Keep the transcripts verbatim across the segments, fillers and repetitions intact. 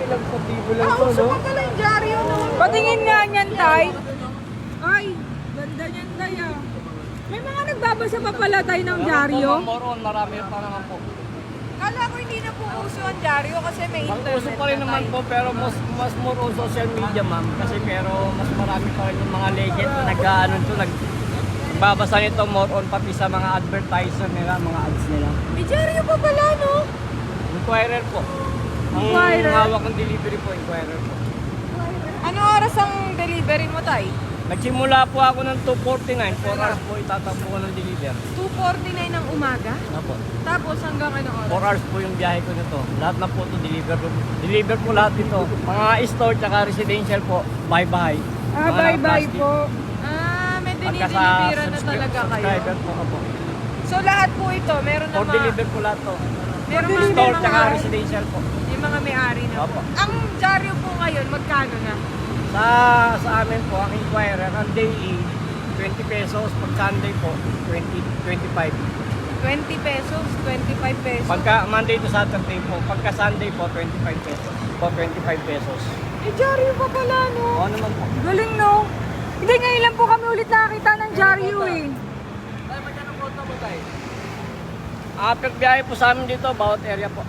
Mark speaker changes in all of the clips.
Speaker 1: lang sa tibo lang
Speaker 2: Ah,
Speaker 1: to,
Speaker 2: uso
Speaker 1: no?
Speaker 2: pa pala yung dyaryo naman.
Speaker 3: Patingin nga niyan, Tay. Ay, ganda niyan, Tay, ah. May mga nagbabasa pa pala, Tay, ng dyaryo.
Speaker 1: Moron, marami pa naman po.
Speaker 2: Kala ko hindi na po uso ang dyaryo kasi may
Speaker 1: Ang
Speaker 2: internet
Speaker 1: uso pa rin
Speaker 2: na
Speaker 1: naman
Speaker 2: tayo.
Speaker 1: po, pero mas mas more on social media, ma'am. Kasi pero mas marami pa rin yung mga legend na nag-ano to, nag babasa nito more on pati sa mga advertiser nila, mga ads nila.
Speaker 2: May dyaryo pa pala, no?
Speaker 1: Inquirer po. Ang
Speaker 3: Inquirer?
Speaker 1: hawak ng delivery po, inquirer po.
Speaker 2: Ano oras ang delivery mo, Tay?
Speaker 1: Nagsimula po ako ng two forty-nine, four hours po itatakbo ko ng deliver.
Speaker 2: two forty-nine ng umaga?
Speaker 1: Opo.
Speaker 2: Tapos hanggang ano oras?
Speaker 1: four hours po yung biyahe ko nito. Lahat na po ito deliver po. Deliver po lahat ito. Mga store tsaka residential po, bye-bye.
Speaker 3: Ah, bye-bye po.
Speaker 2: Ah, may
Speaker 1: Pagka sa
Speaker 2: dinideliveran na
Speaker 1: subscri-
Speaker 2: talaga kayo.
Speaker 1: subscriber po ako.
Speaker 2: So lahat po ito, meron na
Speaker 1: For
Speaker 2: mga,
Speaker 1: deliver po lahat to.
Speaker 2: meron mga,
Speaker 1: Store
Speaker 2: may
Speaker 1: tsaka
Speaker 2: mga,
Speaker 1: residential po.
Speaker 2: yung mga may-ari na
Speaker 1: Opo.
Speaker 2: po. Ang dyaryo po ngayon, magkano na?
Speaker 1: Sa sa amin po, ang inquirer, ang daily, twenty pesos. Pag Sunday po, twenty, twenty-five.
Speaker 2: twenty pesos, twenty-five pesos.
Speaker 1: Pagka Monday to Saturday po, pagka Sunday po, twenty-five pesos. Po, twenty-five pesos.
Speaker 2: Eh, dyaryo pa pala, no?
Speaker 1: Oo naman po.
Speaker 3: Galing, no? Hindi, ngayon lang po kami ulit nakakita ng dyaryo, eh.
Speaker 1: Ah, per biyahe po sa amin dito, bawat area po.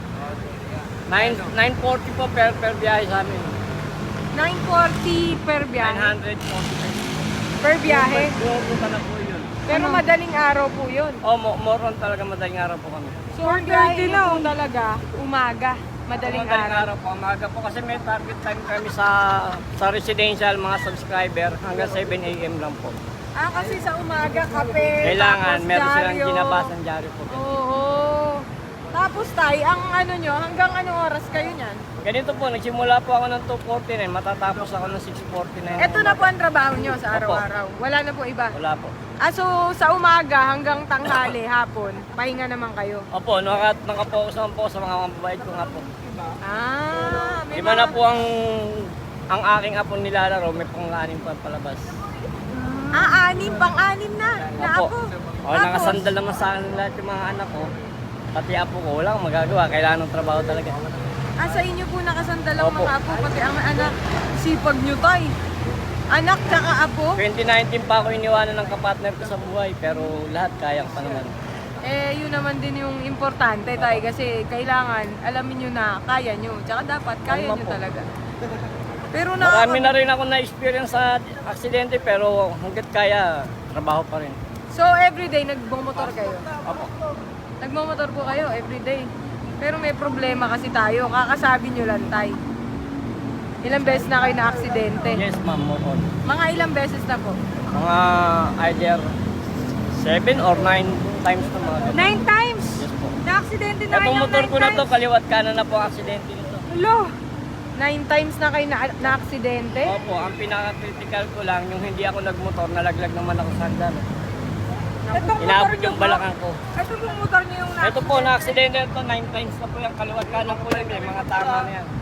Speaker 1: nine forty po per per biyahe sa amin.
Speaker 2: nine forty per biyahe.
Speaker 1: nine hundred forty pesos.
Speaker 2: Per biyahe.
Speaker 1: Bumunta na po yun.
Speaker 2: Pero madaling araw po yun.
Speaker 1: Oh, mo more on talaga madaling araw po kami.
Speaker 2: So, ang biyahe niyo po talaga, umaga, madaling
Speaker 1: Madaling
Speaker 2: araw.
Speaker 1: araw po, umaga po kasi may target time kami sa sa residential mga subscriber hanggang seven a m lang po.
Speaker 2: Ah, kasi sa umaga, kape,
Speaker 1: Kailangan
Speaker 2: tapos
Speaker 1: meron silang
Speaker 2: dyaryo.
Speaker 1: ginabasang dyaryo po.
Speaker 2: Oo. Tapos tay, ang ano nyo, hanggang anong oras kayo niyan?
Speaker 1: Ganito po, nagsimula po ako ng two forty-nine, matatapos ako ng six forty-nine.
Speaker 2: Ito na po ang trabaho nyo sa araw-araw. Wala na po iba.
Speaker 1: Wala po.
Speaker 2: Ah, so sa umaga hanggang tanghali, hapon, pahinga naman kayo.
Speaker 1: Opo, naka, nakapokus naman po sa mga mababait ko nga po.
Speaker 2: Ah, may
Speaker 1: Iba na
Speaker 2: mga-
Speaker 1: po ang ang aking apo nilalaro, may pang-anim pa palabas.
Speaker 2: Ah, anim, pang-anim na. Na
Speaker 1: Opo.
Speaker 2: apo.
Speaker 1: O, nakasandal naman sa akin lahat yung mga anak ko. Pati apo ko, wala akong magagawa. Kailangan ng trabaho talaga.
Speaker 2: Ah, sa inyo po nakasandal ang
Speaker 1: Opo.
Speaker 2: mga apo, pati ang anak. Sipag nyo tay. Anak tsaka apo.
Speaker 1: twenty nineteen pa ako iniwanan ng kapartner ko sa buhay, pero lahat kaya pa naman.
Speaker 2: Eh, yun naman din yung importante tay kasi kailangan alamin nyo na kaya nyo. Tsaka dapat kaya
Speaker 1: Tama
Speaker 2: nyo
Speaker 1: po.
Speaker 2: talaga. Pero
Speaker 1: Marami
Speaker 2: na
Speaker 1: na rin ako na-experience sa aksidente, pero hanggat kaya, trabaho pa rin.
Speaker 2: So everyday nagmomotor kayo.
Speaker 1: Opo.
Speaker 2: Nagmomotor po kayo everyday. Pero may problema kasi tayo. Kakasabi nyo lang tay. Ilang beses na kayo na aksidente?
Speaker 1: Yes, ma'am, more on.
Speaker 2: Mga ilang beses na po?
Speaker 1: Mga either seven or nine times na mga ganun.
Speaker 3: Nine times.
Speaker 1: Yes po.
Speaker 3: Na-aksidente na
Speaker 1: Itong
Speaker 3: kayo ng
Speaker 1: motor
Speaker 3: nine
Speaker 1: ko na to,
Speaker 3: times.
Speaker 1: kaliwat kanan na po ang aksidente nito.
Speaker 3: Hello.
Speaker 2: Nine times na kayo na, na aksidente?
Speaker 1: Opo, ang pinaka-critical ko lang, yung hindi ako nagmotor, nalaglag naman ako sa hagdan.
Speaker 3: Itong motor
Speaker 1: Inaabot
Speaker 3: niyo
Speaker 1: yung
Speaker 3: po.
Speaker 1: balakang ko.
Speaker 3: Ito pong motor niyo yung
Speaker 1: Ito po, na-aksidente ito, nine times na po yung kaliwat kanan ko lang, eh, mga tama na yan.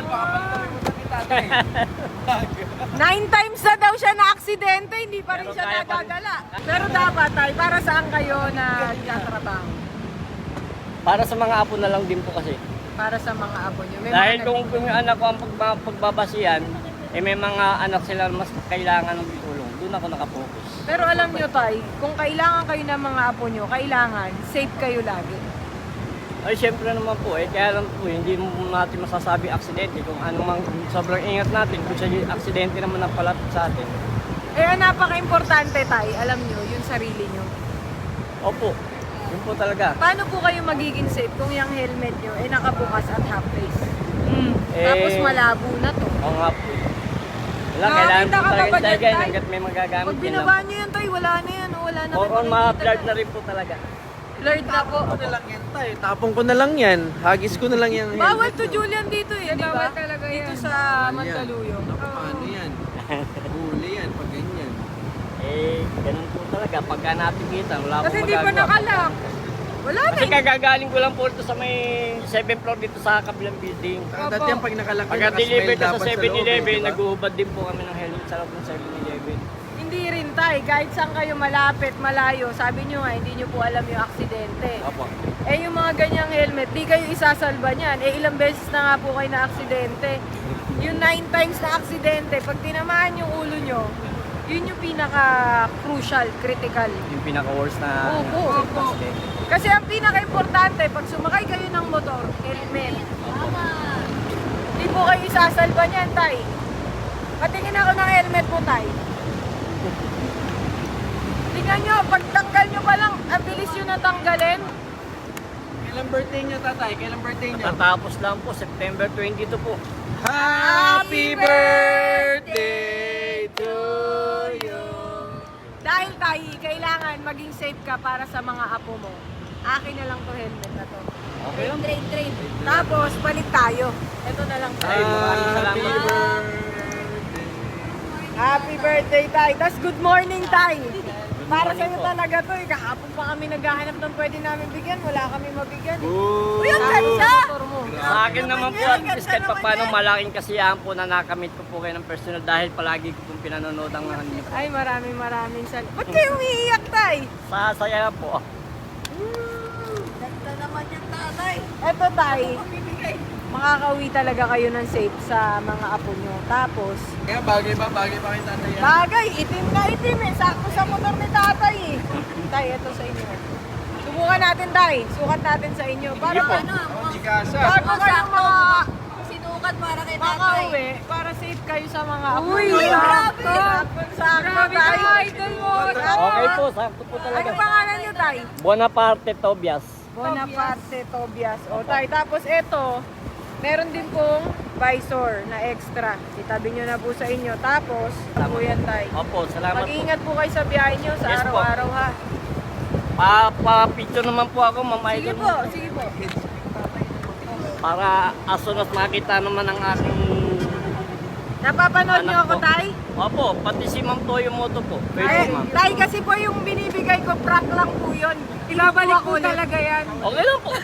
Speaker 2: Nine times na daw siya na aksidente, hindi pa rin
Speaker 1: Pero
Speaker 2: siya
Speaker 1: kaya pa rin.
Speaker 2: nagagala. Pero dapat tay, para saan kayo na nagtatrabaho?
Speaker 1: Para sa mga apo na lang din po kasi.
Speaker 2: Para sa mga apo nyo. May
Speaker 1: Dahil
Speaker 2: mga
Speaker 1: kung, kung yung anak ko ang pagba, pagbabasihan, eh may mga anak sila mas kailangan ng tulong. Doon ako nakapokus.
Speaker 2: Pero alam nyo tay, kung kailangan kayo ng mga apo nyo, kailangan safe kayo lagi.
Speaker 1: Ay, syempre naman po, eh, kaya lang po, hindi mo natin masasabi aksidente. Kung ano mang sobrang ingat natin, kung siya yung aksidente naman ang palapit sa atin.
Speaker 2: Eh, ang napaka-importante tay, alam nyo, yung sarili nyo.
Speaker 1: Opo, yun po talaga.
Speaker 2: Paano po kayo magiging safe kung yung helmet nyo ay nakabukas at half face?
Speaker 3: Mm.
Speaker 1: Eh,
Speaker 2: Tapos malabo na to.
Speaker 1: Oo nga po. Wala,
Speaker 3: Nakakita
Speaker 1: kailangan po
Speaker 3: ka ba
Speaker 1: talaga
Speaker 3: ba dyan,
Speaker 1: talaga
Speaker 3: Tay?
Speaker 1: hanggat may magagamit.
Speaker 2: Pag
Speaker 1: yun lang
Speaker 2: binaba
Speaker 1: po.
Speaker 2: nyo yun tay, wala na yan. oh, Wala na
Speaker 1: Or
Speaker 2: kayo
Speaker 1: on,
Speaker 2: makikita
Speaker 1: ma-blurred
Speaker 2: na.
Speaker 1: na rin po talaga.
Speaker 2: Blurred na po.
Speaker 4: Ano lang yan tayo? Tapong ko na lang yan. Hagis ko na lang yan.
Speaker 2: Bawal to Julian dito eh, di ba?
Speaker 3: Bawal talaga
Speaker 2: Dito
Speaker 3: yan.
Speaker 2: sa Mandaluyong.
Speaker 4: Naku, paano yan? Huli yan pag ganyan.
Speaker 1: Eh, ganun po talaga. Pagka nakikita, wala
Speaker 3: Kasi
Speaker 1: akong
Speaker 3: hindi pa
Speaker 1: magagawa.
Speaker 3: nakalak.
Speaker 2: Wala na
Speaker 1: Kasi
Speaker 2: eh.
Speaker 1: kagagaling ko lang po ito sa may seventh floor dito sa kabilang building.
Speaker 4: Saka dati yan pag nakalaki,
Speaker 1: Pagka
Speaker 4: nakasmile
Speaker 1: deliver ka sa
Speaker 4: dapat
Speaker 1: seven eleven,
Speaker 4: loob eh, di ba?
Speaker 1: nag-uubad din po kami ng helmet sa loob ng seven eleven.
Speaker 2: Hindi hindi rin tay, kahit saan kayo malapit, malayo, sabi nyo nga, hindi nyo po alam yung aksidente.
Speaker 1: Opo.
Speaker 2: Eh yung mga ganyang helmet, di kayo isasalba niyan. Eh ilang beses na nga po kayo na aksidente. Yung nine times na aksidente, pag tinamaan yung ulo nyo, yun yung pinaka-crucial, critical.
Speaker 1: Yung pinaka-worst na
Speaker 2: Opo.
Speaker 1: accident.
Speaker 2: Kasi ang pinaka-importante, pag sumakay kayo ng motor, helmet. Di po kayo isasalba niyan, tay. Patingin ako ng helmet mo, tay. Tingnan nyo, pagtanggal nyo pa lang, ang bilis yun natanggalin.
Speaker 4: Kailan birthday niyo, tatay? Kailan birthday niyo?
Speaker 1: Tatapos lang po, September twenty-two po.
Speaker 4: Happy birthday to you.
Speaker 2: Dahil tayo, kailangan maging safe ka para sa mga apo mo. Akin na lang to helmet na to.
Speaker 1: Okay lang.
Speaker 2: Trade, trade. Tapos, palit tayo. Ito na lang
Speaker 1: Ay,
Speaker 2: tayo.
Speaker 1: maraming salamat
Speaker 4: Happy
Speaker 1: po.
Speaker 4: birthday.
Speaker 2: Happy birthday, Tay. Tapos, good morning, Tay. Para
Speaker 1: morning
Speaker 2: sa'yo
Speaker 1: po.
Speaker 2: talaga to. Eh. Kahapon pa kami naghahanap ng pwede namin bigyan. Wala kami mabigyan. Eh.
Speaker 4: Ooh.
Speaker 2: Uy, ang ganda! Mo.
Speaker 1: Sa akin naman po, at least kahit pa paano malaking kasiyahan po na nakamit ko po kayo ng personal dahil palagi ko pong pinanonood ang mga ninyo.
Speaker 2: Ay, maraming maraming salamat. Ba't kayo umiiyak, Tay?
Speaker 1: Sasaya po.
Speaker 2: Ganda naman yung tatay. Eto, Tay. Makakauwi talaga kayo ng safe sa mga apo nyo. Tapos,
Speaker 4: Kaya bagay ba? Bagay ba kay tatay yan?
Speaker 2: bagay, itim na itim eh. Sakto sa motor ni tatay eh. Tay, ito sa inyo. Subukan natin, Tay. Sukat natin sa inyo. Para
Speaker 1: po.
Speaker 2: ano,
Speaker 4: Oh, chikasa.
Speaker 2: bago kayo mga
Speaker 3: Sinukat para kay
Speaker 2: makauwi, para safe kayo sa mga apo.
Speaker 3: Uy,
Speaker 2: nyo.
Speaker 3: grabe!
Speaker 2: Sakto, Tay.
Speaker 3: idol mo.
Speaker 1: Okay po, sakto po
Speaker 2: Ano
Speaker 1: talaga.
Speaker 2: pangalan nyo, Tay?
Speaker 1: Bonaparte Tobias.
Speaker 2: Bonaparte Tobias. O, Tay. Tapos ito, meron din pong visor na extra. Itabi nyo na po sa inyo. Tapos, po yan, Tay.
Speaker 1: Opo, salamat po.
Speaker 2: Mag-iingat po kayo sa biyahe nyo sa
Speaker 1: Yes po.
Speaker 2: araw-araw, ha?
Speaker 1: Pa, pa-picture naman po ako, Ma'am
Speaker 2: Sige
Speaker 1: Idol.
Speaker 2: po, sige po.
Speaker 1: Para as soon as makita naman ang aking...
Speaker 2: Napapanood nyo
Speaker 1: Anak
Speaker 2: ako,
Speaker 1: po.
Speaker 2: Tay?
Speaker 1: Opo, pati si Ma'am Toyo Moto po. Pwede
Speaker 2: Ay,
Speaker 1: ma'am.
Speaker 2: Tay, kasi po yung binibigay ko, prank lang po yun. Ibabalik po talaga yan.
Speaker 1: Okay lang po.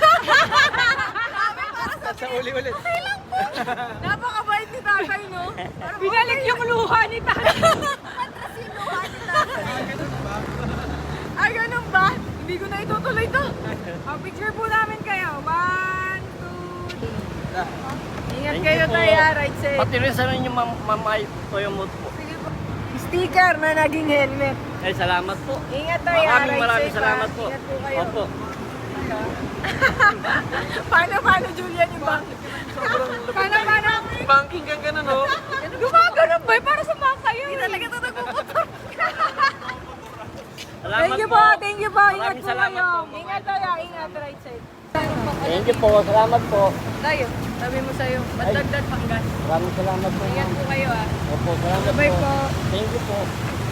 Speaker 4: Sa uli ulit.
Speaker 2: Napakabait ni tatay, no?
Speaker 3: Binalik yung luha ni tatay.
Speaker 2: Ay, ganun ba? Hindi ko na itutuloy to.
Speaker 3: Oh, picture po namin kayo. One, two, three.
Speaker 2: Ingat
Speaker 1: Thank
Speaker 2: kayo,
Speaker 1: you po.
Speaker 2: Tay, ha? Right safe.
Speaker 1: Pati rin sa inyo, Ma'am Ma'am Ay- Toyo Moto po.
Speaker 2: Sige po. Sticker na naging helmet.
Speaker 1: Ay, salamat po.
Speaker 2: Ingat tayo, ha?
Speaker 1: Maraming
Speaker 2: Right
Speaker 1: maraming
Speaker 2: safe, ha?
Speaker 1: salamat po.
Speaker 2: Ingat po kayo.
Speaker 1: Opo.
Speaker 2: Paano, paano, Julian, yung bank?
Speaker 3: Paano, paano?
Speaker 4: Banking kang ganun, oh.
Speaker 3: Gumagano ba? Para sa mga kayo. Hindi talaga ito nagpuputok.
Speaker 1: Salamat
Speaker 3: Thank you po, thank you po. Ingat
Speaker 1: Maraming
Speaker 3: po
Speaker 1: salamat
Speaker 3: kayo.
Speaker 1: po.
Speaker 2: Ingat tayo, ingat, right side.
Speaker 1: Thank you po. Salamat po.
Speaker 2: Tayo, sabi mo sa'yo, ba't
Speaker 1: Ay.
Speaker 2: dagdag panggas?
Speaker 1: Maraming salamat po.
Speaker 2: Ingat
Speaker 1: ma'am.
Speaker 2: po kayo, ha?
Speaker 1: Opo, salamat
Speaker 2: Bye
Speaker 1: po.
Speaker 2: po.
Speaker 1: Thank you po.